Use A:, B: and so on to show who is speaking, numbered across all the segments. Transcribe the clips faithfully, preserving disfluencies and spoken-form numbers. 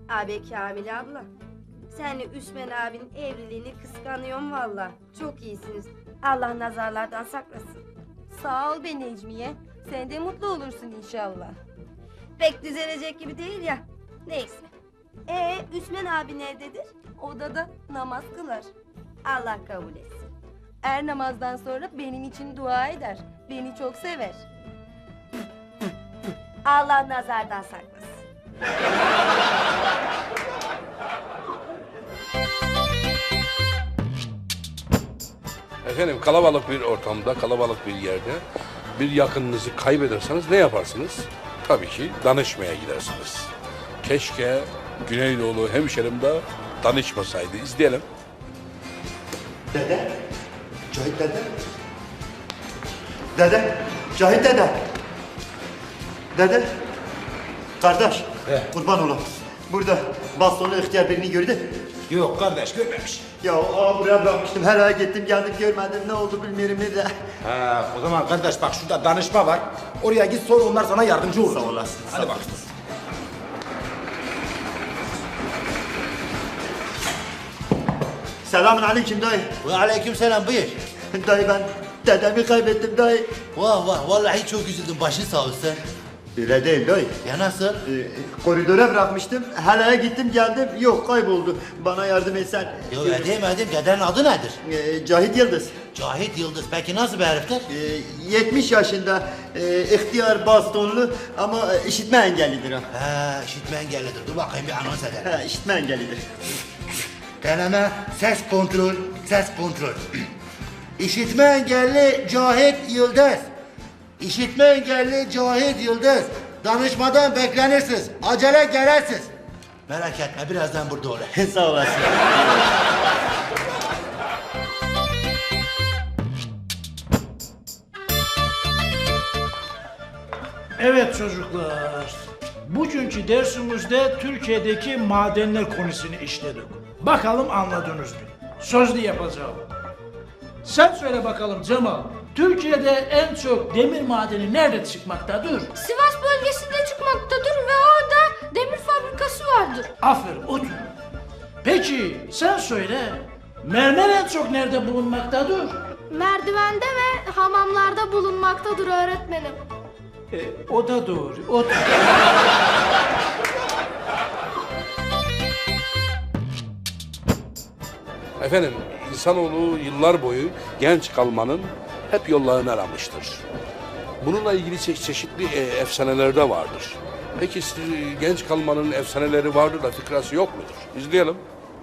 A: Abi Kamil abla. Senle Üsmen abinin evliliğini kıskanıyorum valla. Çok iyisiniz. Allah nazarlardan saklasın.
B: Sağ ol be Necmiye. Sen de mutlu olursun inşallah.
A: Pek düzelecek gibi değil ya. Neyse. Ee, Üsmen abi nerededir?
B: Odada namaz kılar.
A: Allah kabul etsin.
B: Her namazdan sonra benim için dua eder. Beni çok sever.
A: Allah nazardan saklasın.
C: Efendim kalabalık bir ortamda, kalabalık bir yerde bir yakınınızı kaybederseniz ne yaparsınız? Tabii ki danışmaya gidersiniz. Keşke Güneydoğulu hemşerim de danışmasaydı. İzleyelim.
D: Dede, Cahit dede. Dede, Cahit dede. Dede, kardeş, kurban olam. Burada bastonlu ihtiyar birini gördü.
E: Yok kardeş görmemiş.
D: Ya aa, buraya bırakmıştım, her ay gittim geldim görmedim, ne oldu bilmiyorum ne de.
E: Ha, o zaman kardeş bak şurada danışma var. Oraya git sor onlar sana yardımcı olur.
D: Sağ olasın.
E: Hadi bak.
D: Selamun aleyküm dayı.
F: Ve aleykümselam buyur.
D: Dayı ben dedemi kaybettim dayı.
F: Vah vah vallahi çok üzüldüm başın sağ olsun.
D: Öyle değil dayı.
F: Ya nasıl?
D: Ee, koridora bırakmıştım, helaya gittim geldim, yok kayboldu. Bana yardım etsen.
F: Yo edeyim edeyim dedenin adı nedir?
D: Ee, Cahit Yıldız.
F: Cahit Yıldız. Peki nasıl bir heriftir?
D: Ee, yetmiş yaşında, e, ihtiyar bastonlu ama e, işitme engellidir ha.
F: He işitme engellidir. Dur bakayım bir anons edelim.
D: Ha, işitme engellidir.
F: Deneme ses kontrol, ses kontrol. İşitme engelli Cahit Yıldız. İşitme engelli Cahit Yıldız. Danışmadan beklenirsiniz. Acele gelirsiniz. Merak etme birazdan burada olur.
D: Sağ olasın.
G: Evet çocuklar, bugünkü dersimizde Türkiye'deki madenler konusunu işledik. Bakalım anladınız mı? Sözlü yapacağım. Sen söyle bakalım Cemal, Türkiye'de en çok demir madeni nerede çıkmaktadır?
H: Sivas bölgesinde çıkmaktadır ve orada demir fabrikası vardır.
G: Aferin, otur. Peki sen söyle, mermer en çok nerede bulunmaktadır?
H: Merdivende ve hamamlarda bulunmaktadır öğretmenim.
G: E, o da doğru, otur.
C: Efendim insanoğlu yıllar boyu genç kalmanın hep yollarını aramıştır. Bununla ilgili çe- çeşitli e, efsaneler de vardır. Peki siz, genç kalmanın efsaneleri vardır da fikrası yok mudur? İzleyelim.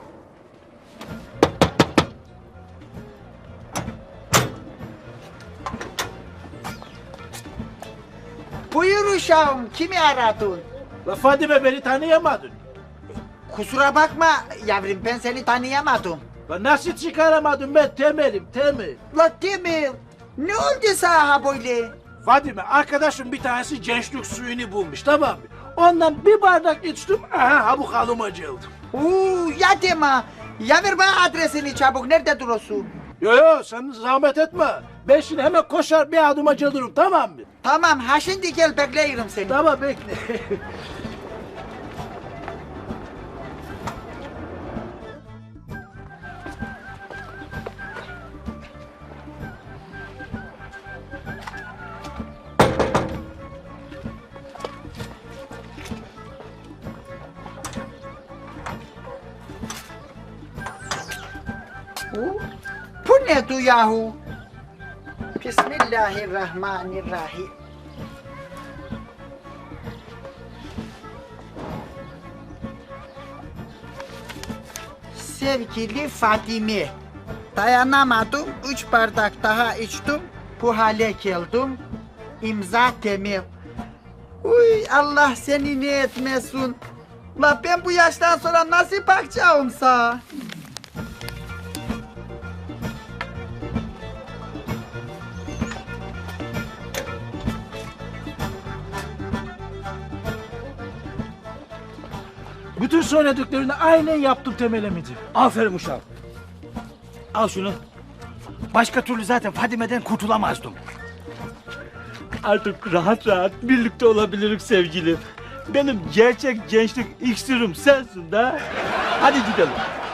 I: Buyur uşağım, kimi aradın?
G: La Fadime beni tanıyamadın.
I: Kusura bakma yavrum, ben seni tanıyamadım.
G: La nasıl çıkaramadım ben Temel'im, Temel.
I: La Demir, ne oldu sana böyle?
G: Fadime arkadaşım bir tanesi gençlik suyunu bulmuş tamam mı? Ondan bir bardak içtim, aha ha bu halıma geldim.
I: Uuu ya deme, ya ver bana adresini çabuk, nerede duruyorsun?
G: Yo yo sen zahmet etme. Ben şimdi hemen koşar bir adıma gelirim tamam mı?
I: Tamam, ha şimdi gel bekleyirim seni.
G: Tamam bekle.
I: Bu ne du yahu? Bismillahirrahmanirrahim. Sevgili Fatime, dayanamadım, üç bardak daha içtim, bu hale geldim, imza Temel. Uy Allah seni ne etmesin. La ben bu yaştan sonra nasıl bakacağım sana?
G: Bütün söylediklerini aynen yaptım Temel emici.
J: Aferin uşağım. Al şunu. Başka türlü zaten Fadime'den kurtulamazdım. Artık rahat rahat birlikte olabiliriz sevgilim. Benim gerçek gençlik iksirim sensin de. Hadi gidelim.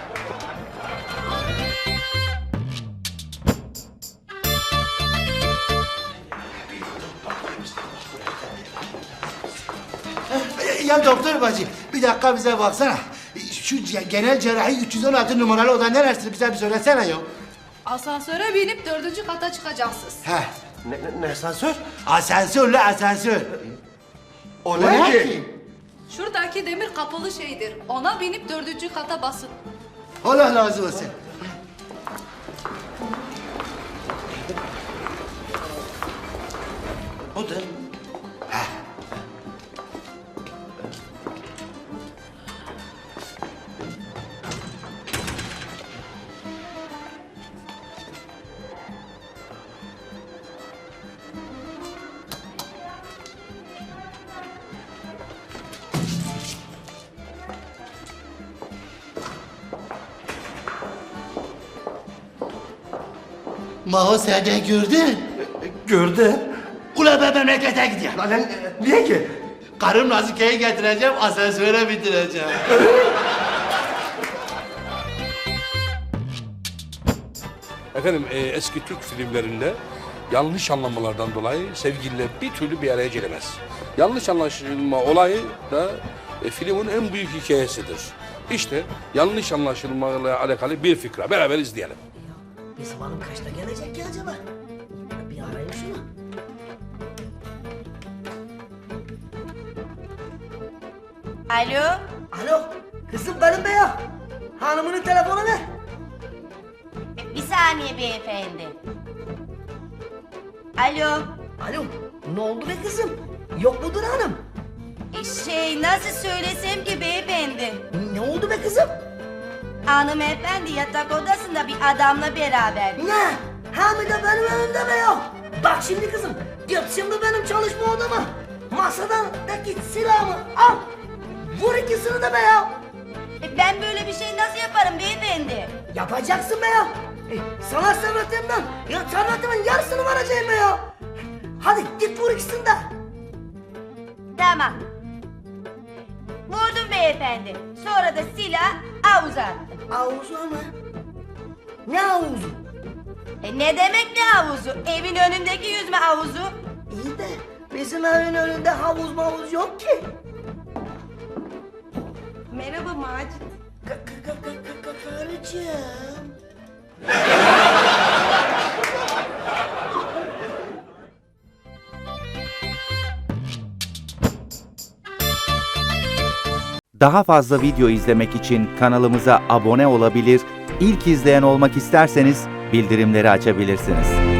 F: Ya doktor bacı bir dakika bize baksana. Şu ce- genel cerrahi üç yüz on altı numaralı oda neresi bize bir söylesene ya.
H: Asansöre binip dördüncü kata çıkacaksınız.
F: Heh.
E: Ne, ne, ne asansör?
F: Asansörle asansör.
E: O
F: O ne ki?
H: Şuradaki demir kapalı şeydir. Ona binip dördüncü kata basın.
F: Allah razı olsun.
E: Odur.
F: Maho sen de gördün.
E: Gördü.
F: Ula ben memlekete gidiyorum.
E: Lan lan, niye ki?
F: Karım Nazike'yi getireceğim, asansöre bitireceğim.
C: Efendim e, eski Türk filmlerinde yanlış anlamalardan dolayı sevgililer bir türlü bir araya gelemez. Yanlış anlaşılma olayı da e, filmin en büyük hikayesidir. İşte yanlış anlaşılmayla alakalı bir fikra. Beraber izleyelim.
I: Bizim hanım kaçta gelecek ki acaba? Bir arayayım şunu.
A: Alo?
I: Alo, kızım benim be ya. Hanımının telefonu ver.
A: Bir saniye beyefendi. Alo?
I: Alo, ne oldu be kızım? Yok mudur hanım?
A: E, Şey nasıl söylesem ki beyefendi?
I: Ne oldu be kızım?
A: Hanımefendi yatak odasında bir adamla beraber.
I: Ne? Hem de benim önümde be ya. Bak şimdi kızım, git şimdi benim çalışma odama. Masadaki silahımı al. Vur ikisini de be ya.
A: E, Ben böyle bir şey nasıl yaparım beyefendi?
I: Yapacaksın be ya. E, sana servetimden, ya servetimin yarısını vereceğim be ya. Hadi git vur ikisini de.
A: Tamam. Vurdum beyefendi. Sonra da silah avuza attım.
I: Havuzu mı? Ne havuzu?
A: E, ne demek ne havuzu? Evin önündeki yüzme havuzu.
I: İyi de bizim evin önünde havuz mavuz yok ki.
B: Merhaba Macit.
I: Karıcığım.
K: Daha fazla video izlemek için kanalımıza abone olabilir, ilk izleyen olmak isterseniz bildirimleri açabilirsiniz.